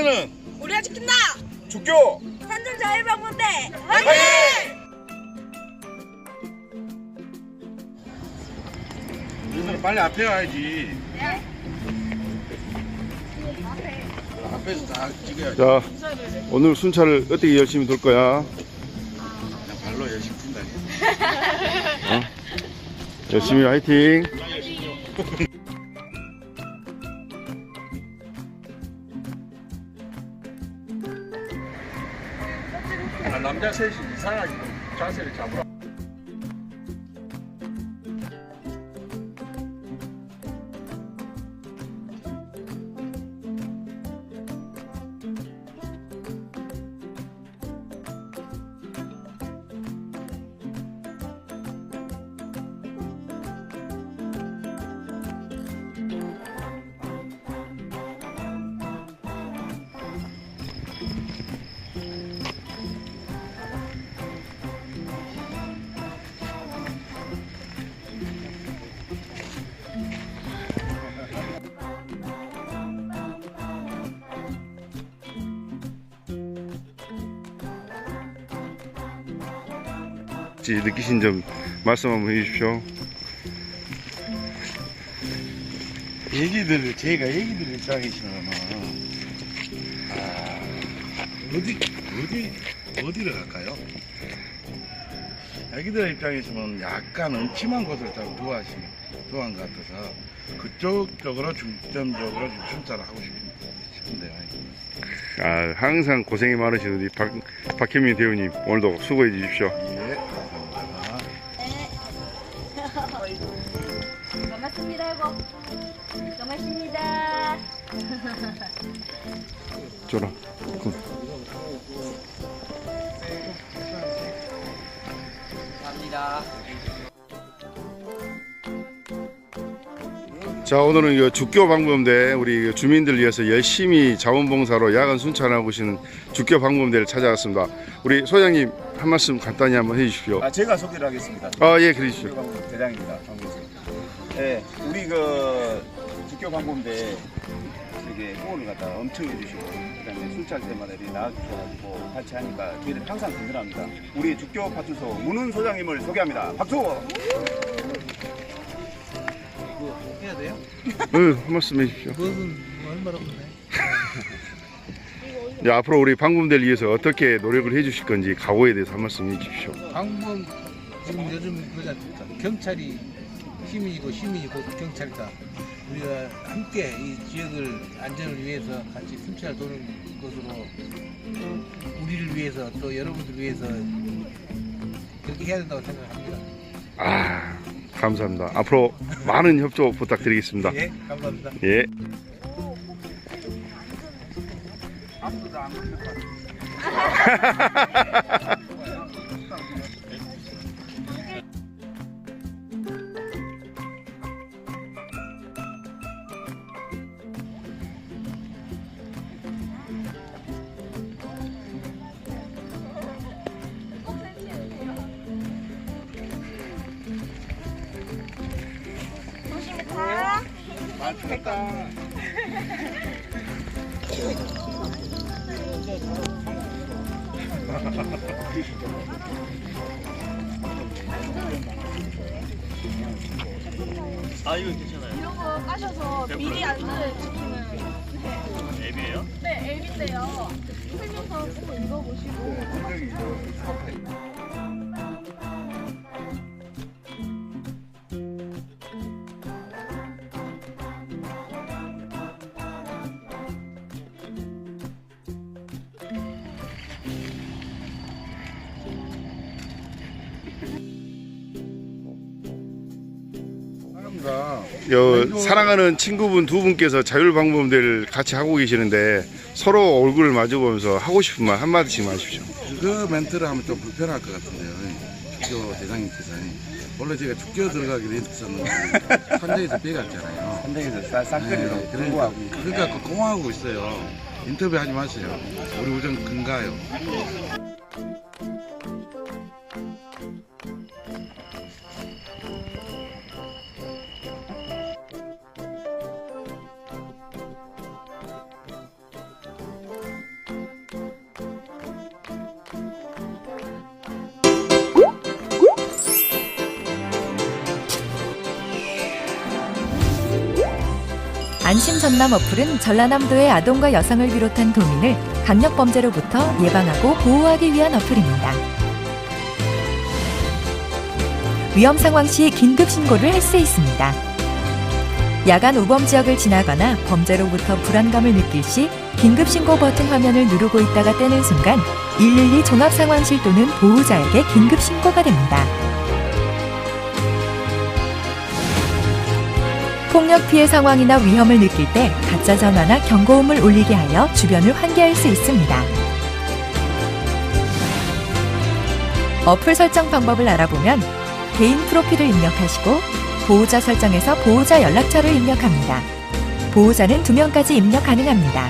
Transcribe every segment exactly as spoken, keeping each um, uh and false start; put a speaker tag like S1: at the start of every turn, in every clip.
S1: 지키면은
S2: 우리가 지킨다.
S1: 주교
S2: 산전자율방문대
S1: 화이팅! 얘들아 빨리 앞에 가야지.
S2: 네.
S1: 앞에서 다 찍어야지.
S3: 자, 오늘 순찰을 어떻게 열심히 돌 거야?
S1: 그냥 발로 열심히 푼다.
S3: 어? 열심히 화이팅!
S1: 아, 남자 셋이 이상하게 자세를 잡으라.
S3: 느끼신 점 말씀 한번 해주십시오.
S1: 얘기들 제가 얘기들 입장이시면 아 어디 어디 어디를 갈까요? 애기들 입장에서는 약간 음침한 곳을 좀 좋아하시 좋아한 것 같아서 그쪽 쪽으로 중점적으로 좀 순찰을 하고 싶은데요.
S3: 아, 항상 고생이 많으신 우리 박, 박현민 대우님 오늘도 수고해 주십시오.
S1: 예, 감사합니다.
S2: 고맙습니다. 이거 고맙습니다.
S3: 줘라.
S4: 감사합니다.
S3: 자, 오늘은 이 주교 방범대 우리 주민들 위해서 열심히 자원봉사로 야간 순찰하고 계시는 주교 방범대를 찾아왔습니다. 우리 소장님 한 말씀 간단히 한번 해주십시오.
S5: 아, 제가 소개를 하겠습니다.
S3: 아, 예, 그러시죠.
S5: 주교방범 대장입니다. 방범대. 예, 우리 그 주교방범대 이게 후원을 갖다 엄청 해주시고, 그다음에 순찰 때마다 이렇게 나와주셔가지고 같이 하니까 저희들 항상 든든합니다. 우리 주교 파출소 문훈 소장님을 소개합니다. 박수!
S4: 이거 해야 돼요?
S3: 응, 한 말씀 해주십시오.
S4: 그것은 얼마나 없네.
S3: 네, 앞으로 우리 방범대를 위해서 어떻게 노력을 해주실 건지 각오에 대해서 한 말씀 해주십시오.
S4: 방법 지금 요즘 그러지 않습니까? 경찰이 시민이고 시민이 곧 경찰이다. 우리가 함께 이 지역을 안전을 위해서 같이 순찰 도는 것으로 우리를 위해서 또 여러분들 위해서 그렇게 해야 된다고 생각합니다.
S3: 아, 감사합니다. 앞으로 많은 협조 부탁드리겠습니다.
S4: 예, 감사합니다.
S3: 예.
S1: 아무도 안 걸릴 것 같아요.
S2: 조심히 가.
S1: 많이 추웠다.
S6: 아 이거 괜찮아요.
S2: 이런 거 까셔서 미리 안전을 지키는
S6: 앱이에요?
S2: 네 앱인데요. 설명서 꼭 읽어보시고.
S3: 요, 사랑하는 친구분 두 분께서 자율방범대를 같이 하고 계시는데 서로 얼굴을 마주보면서 하고 싶은 말 한마디씩 하십시오.
S1: 그 멘트를 하면 좀 불편할 것 같은데요. 주교 대장님께서 원래 제가 주교 들어가기로 했었는데 현장에서 빼갔잖아요.
S5: 현장에서 싹쓸이로
S1: 네, 그러니까 그러니까 공하고 있어요. 인터뷰 하지 마세요. 우리 우정 근가요.
S7: 안심 전남 어플은 전라남도의 아동과 여성을 비롯한 도민을 강력 범죄로부터 예방하고 보호하기 위한 어플입니다. 위험 상황 시 긴급 신고를 할 수 있습니다. 야간 우범 지역을 지나거나 범죄로부터 불안감을 느낄 시 긴급 신고 버튼 화면을 누르고 있다가 떼는 순간 일일이 종합상황실 또는 보호자에게 긴급 신고가 됩니다. 폭력 피해 상황이나 위험을 느낄 때 가짜 전화나 경고음을 울리게 하여 주변을 환기할 수 있습니다. 어플 설정 방법을 알아보면 개인 프로필을 입력하시고 보호자 설정에서 보호자 연락처를 입력합니다. 보호자는 두 명까지 입력 가능합니다.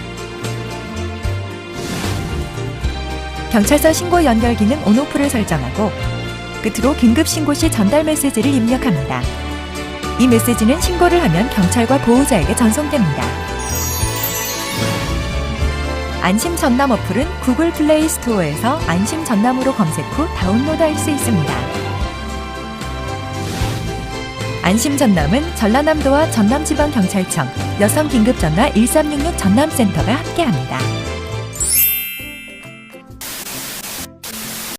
S7: 경찰서 신고 연결 기능 온오프를 설정하고 끝으로 긴급 신고 시 전달 메시지를 입력합니다. 이 메시지는 신고를 하면 경찰과 보호자에게 전송됩니다. 안심 전남 어플은 구글 플레이 스토어에서 안심 전남으로 검색 후 다운로드할 수 있습니다. 안심 전남은 전라남도와 전남지방경찰청 여성긴급전화 일삼육육 전남센터가 함께합니다.